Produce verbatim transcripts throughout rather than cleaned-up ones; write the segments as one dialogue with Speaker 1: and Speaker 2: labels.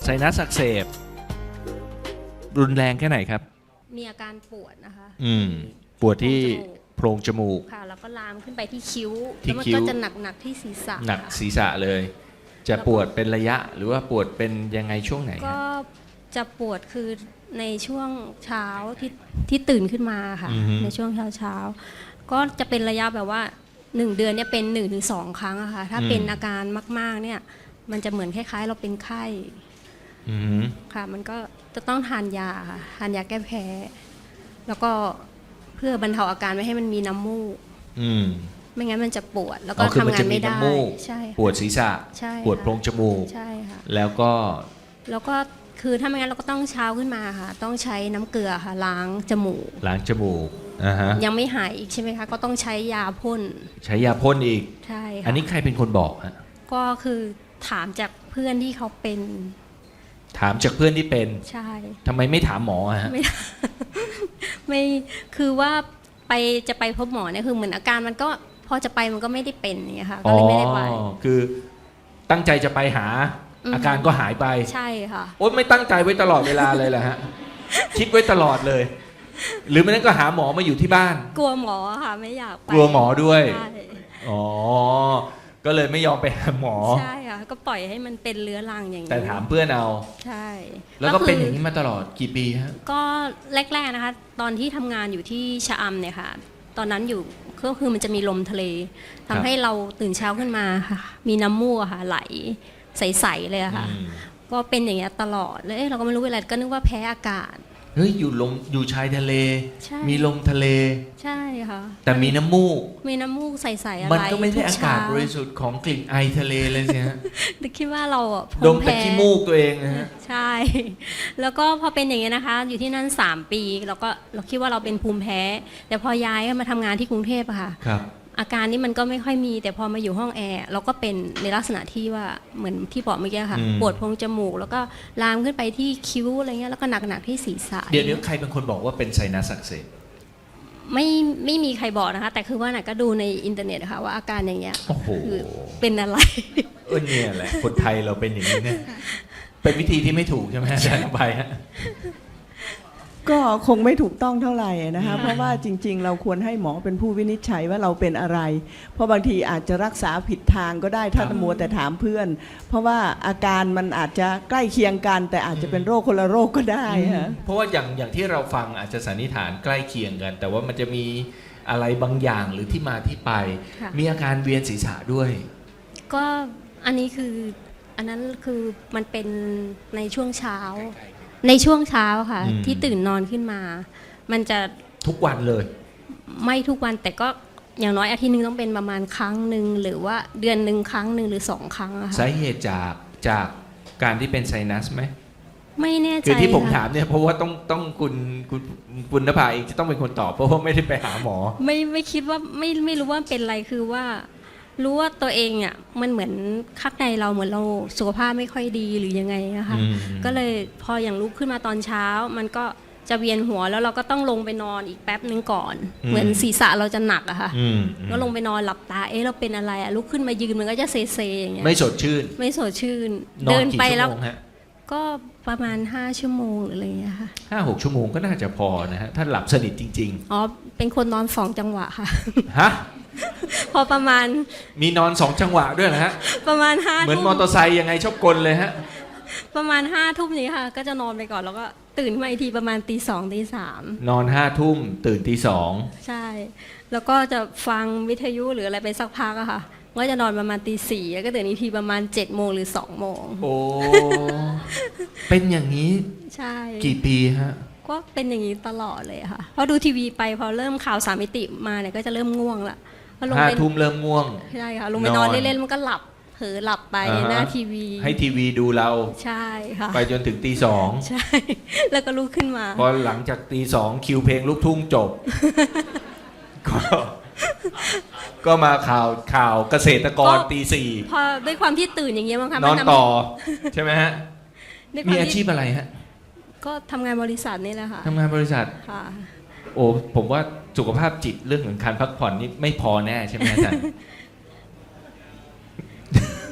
Speaker 1: นัสอักเสบรุนแรงแค่ไหนครับ
Speaker 2: มีอาการปวดนะคะ
Speaker 1: อืมปวดที่โพรงจมูก
Speaker 2: ค่ะแล้วก็ลามขึ้นไปที่คิ้ว
Speaker 1: ที่
Speaker 2: แล้วมัน
Speaker 1: คิ้ว
Speaker 2: ก็จะหนักหนักที่ศีรษะ
Speaker 1: หนักศีรษะเลย จะปวดเป็นระยะหรือว่าปวดเป็นยังไงช่วงไหน
Speaker 2: ก็จะปวดคือในช่วงเช้าที่ที่ตื่นขึ้นมาค่ะในช่วงเช้าเช้าก็จะเป็นระยะแบบว่าหนึ่งเดือนเนี่ยเป็นหนึ่งถึงสองครั้งอะค่ะถ้าเป็นอาการมากๆเนี่ยมันจะเหมือนคล้ายๆเราเป็นไข้ค่ะมันก็จะต้องทานยาค่ะทานยาแก้แพ้แล้วก็เพื่อบรรเทาอาการไม่ให้มันมีน้ำมูกไม่งั้นมันจะปวดแล้วก็ทำงานไม่ได้ใช่
Speaker 1: ปวดศีรษะปวดโพรงจมูก
Speaker 2: ใช่ค่ะ
Speaker 1: แล้วก็
Speaker 2: แล้วก็คือถ้าไม่งั้นเราก็ต้องเช้าขึ้นมาค่ะต้องใช้น้ำเกลือค่ะล้างจมูก
Speaker 1: ล้างจมูกอ่าฮะ
Speaker 2: ยังไม่หายอีกใช่ไหมคะก็ต้องใช้ยาพ่น
Speaker 1: ใช้ยาพ่นอีก
Speaker 2: ใช่ค่ะ
Speaker 1: อันนี้ใครเป็นคนบอกฮะ
Speaker 2: ก็คือถามจากเพื่อนที่เขาเป็น
Speaker 1: ถามจากเพื่อนที่เป็น
Speaker 2: ใช่
Speaker 1: ทำไมไม่ถามหมอฮะ
Speaker 2: ไม่ไม่คือว่าไปจะไปพบหมอเนี่ยคือเหมือนอาการมันก็พอจะไปมันก็ไม่ได้เป็นอย่างเงี้ยค่ะก็เลยไม่ได้ไป
Speaker 1: คือตั้งใจจะไปหาอาการก็หายไป
Speaker 2: ใช่ค่ะ
Speaker 1: โอ๊ยไม่ตั้งใจไว้ตลอดเวลาเลยแหละฮะคิดไว้ตลอดเลยหรือไม่นั้นก็หาหมอมาอยู่ที่บ้าน
Speaker 2: กลัวหมอค่ะไม่อยากไป
Speaker 1: กลัวหมอด้วยอ๋อก็เลยไม่ยอมไปหาหมอ
Speaker 2: ใช่ค่ะก็ปล่อยให้มันเป็นเรื้อรังอย่างนี้
Speaker 1: แต่ถามเพื่อนเอา
Speaker 2: ใช่
Speaker 1: แล้วก็เป็นอย่างนี้มาตลอดกี่ปีฮะ
Speaker 2: ก็แรกๆนะคะตอนที่ทำงานอยู่ที่ชะอำเนี่ยค่ะตอนนั้นอยู่ก็คือมันจะมีลมทะเลทำให้เราตื่นเช้าขึ้นมาค่ะมีน้ำมูกค่ะไหลใสๆเลยค่ะก็เป็นอย่างเงี้ยตลอดแล้วเราก็ไม่รู้อะไรก็นึกว่าแพ้อากาศ
Speaker 1: เฮ้ยอยู่ลมอยู่ชายทะเลมีลมทะเล
Speaker 2: ใช่ค่ะ
Speaker 1: แต่มีน้ำมูก
Speaker 2: มีน้ำมูกใสๆอะไร
Speaker 1: มันก็ไม่ใช่อากาศบริสุทธิ์ของกลิ่นไอทะเลเลยสิฮะ
Speaker 2: คิดว่าเราอ่ะ
Speaker 1: ดมแต่ขี้มูกตัวเองนะฮะ
Speaker 2: ใช่แล้วก็พอเป็นอย่างเงี้ยนะคะอยู่ที่นั่นสามปีเราก็เราคิดว่าเราเป็นภูมิแพ้แต่พอย้ายมาทำงานที่กรุงเทพอะค่ะอาการนี้มันก็ไม่ค่อยมีแต่พอมาอยู่ห้องแอร์เราก็เป็นในลักษณะที่ว่าเหมือนที่บอกเมื่อกี้ค่ะปวดโพรงจมูกแล้วก็ลามขึ้นไปที่คิ้วอะไรเงี้ยแล้วก็หนักๆที่ศีรษะ
Speaker 1: เดี๋ยวเดี๋ยวใครเป็นคนบอกว่าเป็นไซนัสอักเสบ
Speaker 2: ไม่ไม่มีใครบอกนะคะแต่คือว่าน่ะก็ดูในอินเทอร์เน็ตค่ะว่าอาการอย่างเงี้ยคือเป็นอะไร
Speaker 1: เออเนี่ยแหละคนไทยเราเป็นอย่างนี้เนี่ยเป็นวิธีที่ไม่ถูกใช่ไหมอาจารย์ไปฮะ
Speaker 3: ก็คงไม่ถูกต้องเท่าไหร่นะคะเพราะว่าจริงๆเราควรให้หมอเป็นผู้วินิจฉัยว่าเราเป็นอะไรเพราะบางทีอาจจะรักษาผิดทางก็ได้ถ้ามัวแต่ถามเพื่อนเพราะว่าอาการมันอาจจะใกล้เคียงกันแต่อาจจะเป็นโรคคนละโรคก็ได้ฮะ
Speaker 1: เพราะว่าอย่างอย่างที่เราฟังอาจจะสันนิษฐานใกล้เคียงกันแต่ว่ามันจะมีอะไรบางอย่างหรือที่มาที่ไปมีอาการเวียนศีรษะด้วย
Speaker 2: ก็อันนี้คืออันนั้นคือมันเป็นในช่วงเช้าในช่วงเช้าค่ะที่ตื่นนอนขึ้นมามันจะ
Speaker 1: ทุกวันเลย
Speaker 2: ไม่ทุกวันแต่ก็อย่างน้อยอาทิตย์นึงต้องเป็นประมาณครั้งหนึ่งหรือว่าเดือนหนึ่งครั้งหนึ่งหรือสองครั้งอะค่ะ
Speaker 1: สาเหตุจากจากการที่เป็นไซนัสไหม
Speaker 2: ไม่แน่ใจ
Speaker 1: คือที่ผมถามเนี่ยเพราะว่าต้องต้องคุณคุณคุณนภาเองจะต้องเป็นคนตอบเพราะว่าไม่ได้ไปหาหมอ
Speaker 2: ไม่ไม่คิดว่าไม่ไม่รู้ว่าเป็นอะไรคือว่ารู้ว่าตัวเองอ่ะมันเหมือนข้างในเราเหมือนเราสุขภาพไม่ค่อยดีหรือยังไงนะคะก็เลยพออย่างลุกขึ้นมาตอนเช้ามันก็จะเวียนหัวแล้วเราก็ต้องลงไปนอนอีกแป๊บนึงก่อนเหมือนศีรษะเราจะหนักอะค่ะก็ลงไปนอนหลับตาเอ๊ะเราเป็นอะไรอะลุกขึ้นมายืนมันก็จะเซเซอย่างเงี้ย
Speaker 1: ไม่สดชื่น
Speaker 2: ไม่สดชื่นเดินไปแล้วก็ประมาณห้าชั่วโมงหรืออะไรอย่างเงี้ยค่ะ
Speaker 1: ห้าหกชั่วโมงก็น่าจะพอนะฮะถ้าหลับสนิทจริง
Speaker 2: ๆอ๋อเป็นคนนอนสองจังหวะค่ะ
Speaker 1: ฮะ
Speaker 2: พอประมาณ
Speaker 1: มีนอนสองจังหวะด้วยนะฮะ
Speaker 2: ประมาณห้า
Speaker 1: เหมือนมอเตอร์ไซค์ยังไงชอบกลเลยฮะ
Speaker 2: ประมาณห้าทุ่มนี้ค่ะก็จะนอนไปก่อนแล้วก็ตื่นมาอีกทีประมาณตีสองตีสาม
Speaker 1: นอนห้าทุ่มตื่นตีสอง
Speaker 2: ใช่แล้วก็จะฟังวิทยุหรืออะไรไปสักพักอะค่ะก็จะนอนประมาณตีสี่แล้วก็ตื่นอีกทีประมาณเจ็ดโมงหรือสองโมง
Speaker 1: โอ้เป็นอย่างนี้
Speaker 2: ใช่
Speaker 1: กี่ปีฮะ
Speaker 2: ก็เป็นอย่างนี้ตลอดเลยค่ะพอดูทีวีไปพอเริ่มข่าวสามมิติมาเนี่ยก็จะเริ่มง่วงละ
Speaker 1: ห้าทุ่มเริ่มง่วง
Speaker 2: ใช่ค่ะลงไปนอนเล่นๆมันก็หลับเผลอหลับไปหน้าทีวี
Speaker 1: ให้ทีวีดูเรา
Speaker 2: ใช่ค่ะ
Speaker 1: ไปจนถึงตีสอง
Speaker 2: ใช่แล้วก็ลุกขึ้นมา
Speaker 1: พอหลังจากตีสองคิวเพลงลูกทุ่งจบก็ก็มาข่าวข่าวเกษตรกรตีสี่
Speaker 2: พอด้วยความที่ตื่นอย่างเงี้ยมั้งคะ
Speaker 1: นอนต่อใช่ไหมฮะมีอาชีพอะไรฮะ
Speaker 2: ก็ทำงานบริษัทนี่แหละค่ะ
Speaker 1: ทำงานบริษัท
Speaker 2: ค่ะ
Speaker 1: โอ้ผมว่าสุขภาพจิตเรื่องของการพักผ่อนนี่ไม่พอแน่ใช่ไหมอาจารย์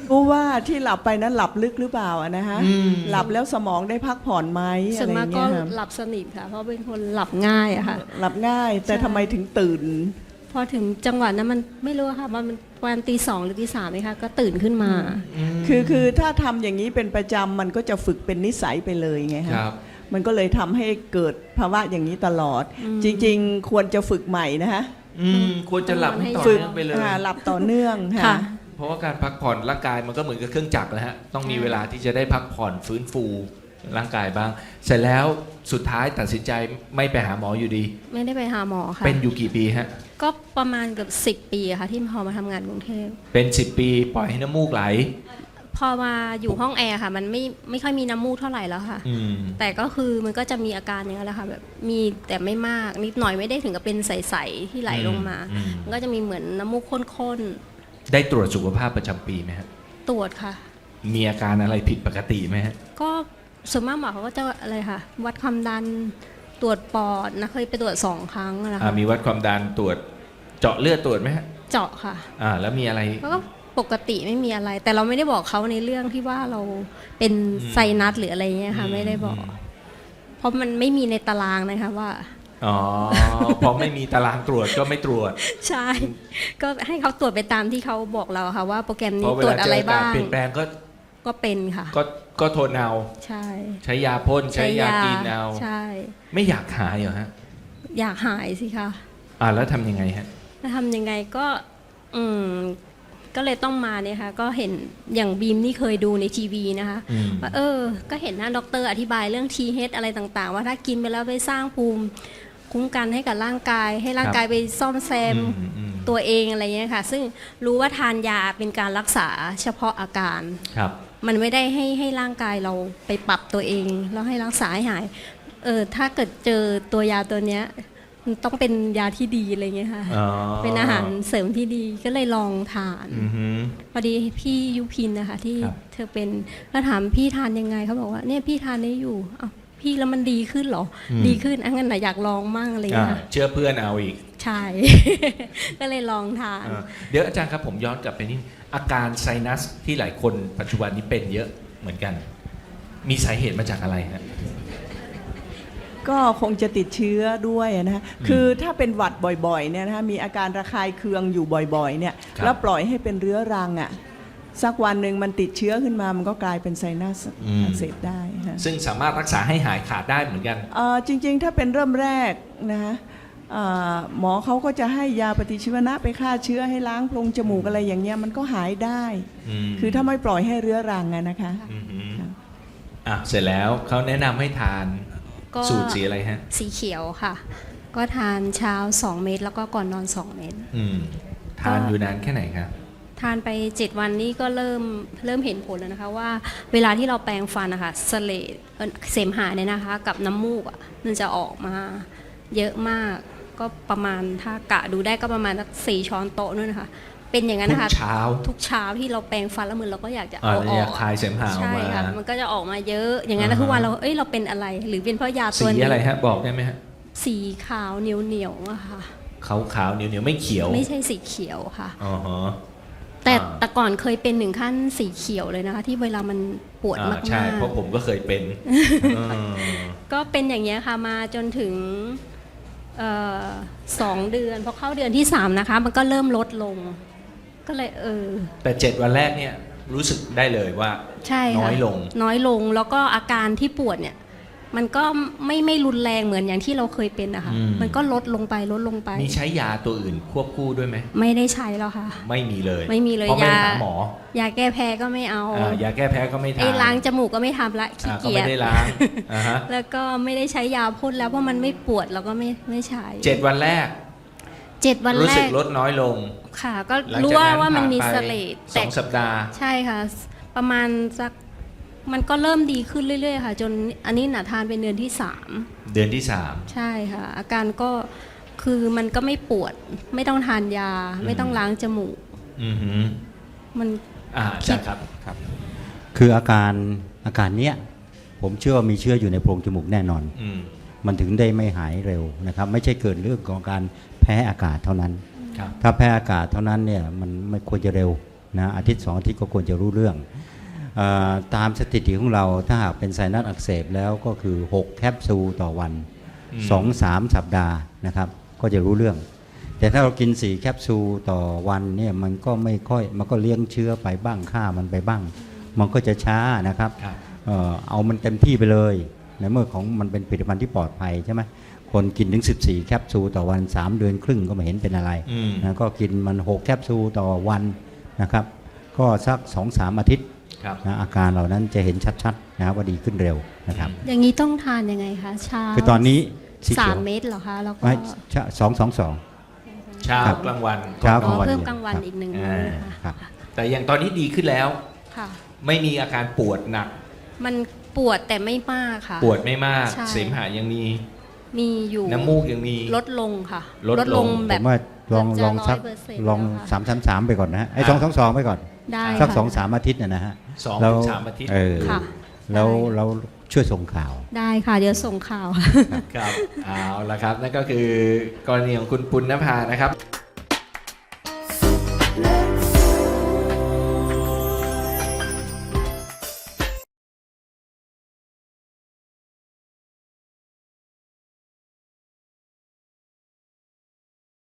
Speaker 3: รู้ว่าที่หลับไปนั้นหลับลึกหรือเปล่าอะนะฮะ
Speaker 1: อืม
Speaker 3: หลับแล้วสมองได้พักผ่อนไหม
Speaker 2: ส่
Speaker 3: อะ
Speaker 2: วน
Speaker 3: ไร
Speaker 2: มาก
Speaker 3: เงี้
Speaker 2: ก็
Speaker 3: ยครับ
Speaker 2: หลับสนิทค่ะ เพราะเป็นคนหลับง่ายอะค่ะ
Speaker 3: หลับง่าย แต่
Speaker 2: ใช่
Speaker 3: ทำไมถึงตื่น
Speaker 2: พอถึงจังหวะนั้นมันไม่รู้ค่ะว่ามันวันตีสองหรือตีสามไหมคะก็ตื่นขึ้นมา
Speaker 3: คือคือถ้าทำอย่างนี้เป็นประจำมันก็จะฝึกเป็นนิสัยไปเลยไง
Speaker 1: ค
Speaker 3: ฮะ
Speaker 1: รับ
Speaker 3: มันก็เลยทำให้เกิดภาวะอย่างนี้ตลอด
Speaker 2: อืม
Speaker 3: จริงๆ ควรจะฝึกใหม่นะฮะ
Speaker 1: อืมควรจะหลับให้ต่อ
Speaker 3: ฝึก
Speaker 1: เนื่องไปเลย
Speaker 3: อ่าหลับต่อเนื่อง
Speaker 2: ค่ะ
Speaker 3: ค่ะ
Speaker 1: เพราะว่าการพักผ่อนร่างกายมันก็เหมือนกับเครื่องจักรนะฮะ ต้องมีเวลาที่จะได้พักผ่อนฟื้นฟูร่างกายบ้าง เสร็จแล้วสุดท้ายตัดสินใจไม่ไปหาหมออยู่ดี
Speaker 2: ไม่ได้ไปหาหมอค่ะ
Speaker 1: เป็นอยู่กี่ปีฮะ
Speaker 2: ก็ประมาณเกือบสิบปีอะค่ะ ที่พอมาทำงานกรุงเทพ
Speaker 1: เป็นสิบปีปล่อยให้น้ำมูกไหล
Speaker 2: พอมาอยู่ห้องแอร์ค่ะ มันไม่ไม่ค่อยมีน้ำมูกเท่าไหร่แล้วค่ะ
Speaker 1: อืม
Speaker 2: แต่ก็คือมันก็จะมีอาการอย่างนี้นแหละค่ะแบบมีแต่ไม่มากนิดหน่อยไม่ได้ถึงกับเป็นใสๆที่ไหลลงมา
Speaker 1: อืม
Speaker 2: มันก็จะมีเหมือนน้ำมูกข้น
Speaker 1: ได้ตรวจสุขภาพประจำปีไหมฮะ
Speaker 2: ๆตรวจค่ะ
Speaker 1: มีอาการอะไรผิดปกติไหมฮะ
Speaker 2: ก็ส่วนมากหมอเขาก็จะอะไรค่ะ วัดความดันตรวจปอดนะเคยไปตรวจสองครั้งนะ
Speaker 1: อ่า
Speaker 2: คะ
Speaker 1: มีวัดความดันตรวจเจาะเลือดตรวจไหมฮะ
Speaker 2: เจาะค่ะ
Speaker 1: อ่า แล้วมีอะไร
Speaker 2: แล้วก็ปกติไม่มีอะไร แต่เราไม่ได้บอกเขาในเรื่องที่ว่าเราเป็น
Speaker 1: อืม
Speaker 2: ไซนัสหรืออะไรเงี้ยค่ะ ไม่ได้บอก เพราะมันไม่มีในตารางนะคะว่า
Speaker 1: อ๋อ พอไม่มีตารางตรวจก็ไม่ตรวจ
Speaker 2: ใช่ ก็ให้เขาตรวจไปตามที่เขาบอกเราค่ะว่าโปรแกรม
Speaker 1: เพ
Speaker 2: นี้
Speaker 1: ราะเว
Speaker 2: ตรว
Speaker 1: ลา
Speaker 2: จ
Speaker 1: เจ
Speaker 2: อะไร
Speaker 1: ออากา
Speaker 2: บ้า
Speaker 1: ศ
Speaker 2: ง
Speaker 1: เปลี่ยนแปลงก็
Speaker 2: ก็เป็นค่ะ
Speaker 1: ก็ก็ทนเอา
Speaker 2: ใช่
Speaker 1: ใช้ยาพ่นใช้ยากินเอา
Speaker 2: ใช่
Speaker 1: ไม่อยากหายเหรอฮะ
Speaker 2: อยากหายสิคะ
Speaker 1: อ่าแล้วทำยังไงฮะ
Speaker 2: แล้วทำยังไงก็อืมก็เลยต้องมาเนี่ยค่ะก็เห็นอย่างบีมนี่เคยดูในทีวีนะคะ
Speaker 1: อืม
Speaker 2: ว่าเออ ก็เห็นหน้าด็อกเตอร์อธิบายเรื่อง ที เอช อะไรต่างๆ ว่าถ้ากินไปแล้วไปสร้างภูมิคุ้มกันให้กับร่างกาย ให้ร่างกายไปซ่อมแซม
Speaker 1: อืมอืม
Speaker 2: ตัวเองอะไรเงี้ยค่ะ ซึ่งรู้ว่าทานยาเป็นการรักษาเฉพาะอาการ
Speaker 1: ครับ
Speaker 2: มันไม่ได้ให้ให้ร่างกายเราไปปรับตัวเอง แล้วให้รักษาให้หาย เออถ้าเกิดเจอตัวยาตัวเนี้ยมันต้องเป็นยาที่ดีอะไรเงี้ยค่ะ
Speaker 1: อ๋อ
Speaker 2: เป็นอาหารเสริมที่ดีก็เลยลองทาน
Speaker 1: อือหือ
Speaker 2: พอดีพี่ยุพินนะคะที่
Speaker 1: ครับ
Speaker 2: เธอเป็นก็ถามพี่ทานยังไงเขาบอกว่าเนี่ยพี่ทานได้อยู่อ้าวพี่แล้วมันดีขึ้นเหรออดีขึ้นอังั้นนะอยากลองมั่งอะไร
Speaker 1: อ่า
Speaker 2: เงี้ย
Speaker 1: เชื่อเพื่อนเอาอีก
Speaker 2: ใช่ ก็เลยลองทาน
Speaker 1: อ่าเดี๋ยวอาจารย์ครับผมย้อนกลับไปนิดอาการไซนัสที่หลายคนปัจจุบันนี้เป็นเยอะเหมือนกัน มีสาเหตุมาจากอะไรฮะ
Speaker 3: ก็คงจะติดเชื้อด้วยนะฮะ
Speaker 1: อืม
Speaker 3: คือถ้าเป็นหวัดบ่อยๆเนี่ยนะฮะมีอาการระคายเคืองอยู่บ่อยๆเนี่ย
Speaker 1: ครับ
Speaker 3: แล้วปล่อยให้เป็นเรื้อรังอ่ะสักวันหนึ่งมันติดเชื้อขึ้นมามันก็กลายเป็นไซนัสอักเสบได้ฮะ
Speaker 1: ซึ่งสามารถรักษาให้หายขาดได้เหมือนกัน
Speaker 3: เอ่อจริงๆ ถ้าเป็นเริ่มแรกนะฮะเอ่อหมอเขาก็จะให้ยาปฏิชีวนะไปฆ่าเชื้อให้ล้างโพรงจมูกอะไรอย่างเงี้ยมันก็หายได้
Speaker 1: อืม
Speaker 3: คือถ้าไม่ปล่อยให้เรื้อรังอะนะคะ
Speaker 1: อือหือ
Speaker 3: ครับ
Speaker 1: อ่ะเสร็จแล้วเขาแนะนำให้ทาน
Speaker 2: ก็
Speaker 1: สูตรสีอะไรฮะ
Speaker 2: สีเขียวค่ะ ก็ทานเช้าสองเม็ดแล้วก็ก่อนนอนสองเม็ด
Speaker 1: อืมทานอยู่นานแค่ไหนครับ
Speaker 2: ทานไปเจ็ดวันนี้ก็เริ่มเริ่มเห็นผลแล้วนะคะว่าเวลาที่เราแปรงฟันนะคะเสลดเอ่อเสมหะเนี่ยนะคะ กับน้ำมูกอ่ะมันจะออกมาเยอะมากก็ประมาณถ้ากะดูได้ก็ประมาณสักสี่ช้อนโต๊ะนู่นนะคะ เป็นอย่างนั้น
Speaker 1: ทุ
Speaker 2: นะ
Speaker 1: ก
Speaker 2: คะ
Speaker 1: เช้า
Speaker 2: ทุกเช้าที่เราแปรงฟันแล้วมือเราก็อยากจะ
Speaker 1: อ่า
Speaker 2: เอาอ
Speaker 1: อ
Speaker 2: อย
Speaker 1: าก คลายเสมหะออก
Speaker 2: ใช่
Speaker 1: มา
Speaker 2: ค่ะมันก็จะออกมาเยอะอย่างนั้น
Speaker 1: อ่า
Speaker 2: นะ
Speaker 1: ฮะ
Speaker 2: ทุกวันเราเอ้ยเราเป็นอะไร หรือเป็นเพราะยา
Speaker 1: สี
Speaker 2: ตัวนี้
Speaker 1: อะไรฮะ บอกได้ไหมฮะ
Speaker 2: สีขาวเหนียวเหนียวๆอะค่ะ
Speaker 1: ขาวขาวๆเหนียวเหนียวๆไม่เขียว
Speaker 2: ไม่ใช่สีเขียวค่ะ
Speaker 1: อ๋อฮะ
Speaker 2: แต่
Speaker 1: อ่า
Speaker 2: แต่ก่อนเคยเป็นหนึ่งขั้นสีเขียวเลยนะคะ ที่เวลามันปวด
Speaker 1: อ่าม
Speaker 2: าก
Speaker 1: ใช่
Speaker 2: ๆ
Speaker 1: เพราะผมก็เคยเป็นอืม
Speaker 2: ก็เป็นอย่างเงี้ยค่ะมาจนถึงเอ่อสองเดือนพอเข้าเดือนที่สามนะคะ มันก็เริ่มลดลง ก็เลยเออ
Speaker 1: แต่เจ็ดวันแรกเนี่ยรู้สึกได้เลยว่า
Speaker 2: ใช่ค่ะ
Speaker 1: น้อยลง
Speaker 2: น้อยลงแล้วก็อาการที่ปวดเนี่ย มันก็ไม่ไม่รุนแรงเหมือนอย่างที่เราเคยเป็นนะคะ
Speaker 1: อืม
Speaker 2: มันก็ลดลงไปลดลงไป
Speaker 1: มีใช้ยาตัวอื่นควบคู่ด้วยไหม
Speaker 2: ไม่ได้ใช้แล้วค่ะ
Speaker 1: ไม่มีเลย
Speaker 2: ไม่มีเลย
Speaker 1: เพราะไม่
Speaker 2: ยา
Speaker 1: หาหมอย
Speaker 2: าแก้แพ้ก็ไม่เอา
Speaker 1: อ่ายาแก้แพ้ก็ไม่ทาน
Speaker 2: ไอ้ล้างจมูกก็ไม่ทำละขี้
Speaker 1: อ่าก็
Speaker 2: เกีย
Speaker 1: ไม่
Speaker 2: จ
Speaker 1: ได้ล้างอ่าฮะ
Speaker 2: แล้วก็ไม่ได้ใช้ยาพ่นแล้วเพราะมันไม่ปวดเราก็ไม่ไม่ใช้
Speaker 1: เจ็ดวันแรก
Speaker 2: เจ็ดวัน
Speaker 1: รู้
Speaker 2: แร
Speaker 1: สึก
Speaker 2: ก
Speaker 1: ลดน้อยลง
Speaker 2: ค่ะ ก็
Speaker 1: หลัง
Speaker 2: รู้
Speaker 1: จาก
Speaker 2: ว่า
Speaker 1: นั้น
Speaker 2: ว่ามัน
Speaker 1: ผ่
Speaker 2: มี
Speaker 1: ไป
Speaker 2: เสลด
Speaker 1: สองสัปดาห์
Speaker 2: ใช่ค่ะ ประมาณสักมันก็เริ่มดีขึ้นเรื่อยๆค่ะ จนอันนี้หนาทานเป็นเดือนที่สาม
Speaker 1: เดือนที่สาม
Speaker 2: ใช่ค่ะ อาการก็คือมันก็ไม่ปวด ไม่ต้องทานยา ไม่ต้องล้างจมูก
Speaker 1: อือหือ
Speaker 2: มัน
Speaker 1: อ่าอาจารย์ครับครับ
Speaker 4: คืออาการอาการเนี้ยผมเชื่อว่ามีเชื้ออยู่ในโพรงจมูกแน่นอน
Speaker 1: อืม
Speaker 4: มันถึงได้ไม่หายเร็วนะครับ ไม่ใช่เกิดเรื่องของการแพ้อากาศเท่านั้น
Speaker 1: ครับ
Speaker 4: ถ้าแพ้อากาศเท่านั้นเนี่ยมันไม่ควรจะเร็วนะอาทิตย์สองอาทิตย์ก็ควรจะรู้เรื่องเออตามสถิติของเราถ้าหากเป็นไซนัสอักเสบแล้วก็คือหกแคปซูลต่อวัน
Speaker 1: อืม
Speaker 4: สองถึงสาม สัปดาห์นะครับก็จะรู้เรื่อง แต่ถ้าเรากินสี่แคปซูลต่อวันเนี่ยมันก็ไม่ค่อยมันก็เลี้ยงเชื้อไปบ้างฆ่ามันไปบ้าง มันก็จะช้านะครับ
Speaker 1: ครับ
Speaker 4: เอ่อเอามันเต็มที่ไปเลยในเมื่อของมันเป็นผลิตภัณฑ์ที่ปลอดภัยใช่ไหมคนกินถึงสิบสี่แคปซูลต่อวันสามเดือนครึ่งก็ไม่เห็นเป็นอะไร
Speaker 1: อืม
Speaker 4: นะก็กินมันหกแคปซูลต่อวันนะครับก็สัก สองถึงสาม อาทิตย์
Speaker 1: ครับ
Speaker 4: นะอาการเหล่านั้นจะเห็นชัดๆนะครับว่าดีขึ้นเร็วนะครับ
Speaker 2: อย่างนี้ต้องทานยังไงคะเช้า
Speaker 4: คือตอนนี้สี
Speaker 2: สา
Speaker 4: เขีย
Speaker 2: ม
Speaker 4: ว
Speaker 2: เม็ดเหรอคะแล้วก็
Speaker 4: ไม่สองสองสอง
Speaker 1: เช้า
Speaker 4: ครับ
Speaker 1: กลางวัน
Speaker 4: เช้า
Speaker 2: อ๋อ
Speaker 4: วัน
Speaker 2: เพิ่ม
Speaker 4: เดียว
Speaker 2: กลางวัน
Speaker 4: ครับ
Speaker 2: อีกหนึ่ง
Speaker 1: อ่า
Speaker 2: มื้อนะคะ
Speaker 4: ครับ
Speaker 1: แต่อย่างตอนนี้ดีขึ้นแล้ว
Speaker 2: ค่ะ
Speaker 1: ไม่มีอาการปวดหนัก
Speaker 2: มันปวดแต่ไม่มากค่ะ
Speaker 1: ปวดไม่มาก
Speaker 2: ใช่
Speaker 1: เสมหะยังมี
Speaker 2: มีอยู่
Speaker 1: น้ำมูกยังมี
Speaker 2: ลดลงค่ะ
Speaker 1: ลดลง
Speaker 2: แบ
Speaker 4: ผ
Speaker 2: บ
Speaker 4: มว่าลอง
Speaker 2: เกือบจะ
Speaker 4: ลองสัก
Speaker 2: ร้อยเปอร์เซ็นต์
Speaker 4: ลอง
Speaker 2: แล้วค่ะ
Speaker 4: สามสามสามไปก่อนนะฮะไอ้สองสองสองไปก่อน
Speaker 2: ได้
Speaker 4: สัก
Speaker 2: ค่ะ
Speaker 4: สองสามอาทิตย์นะนะฮะ
Speaker 1: สอง
Speaker 4: แล้ว
Speaker 1: ถึงสามอาทิตย์
Speaker 4: เออ
Speaker 2: ค่ะ
Speaker 4: แล้ว
Speaker 2: ได้
Speaker 4: เราช่วยส่งข่าว
Speaker 2: ได้ค่ะ เดี๋ยวส่งข่าว
Speaker 1: ครับเอาละครับ นั่นก็คือกรณีของคุณปุณณภานะครับ
Speaker 5: Love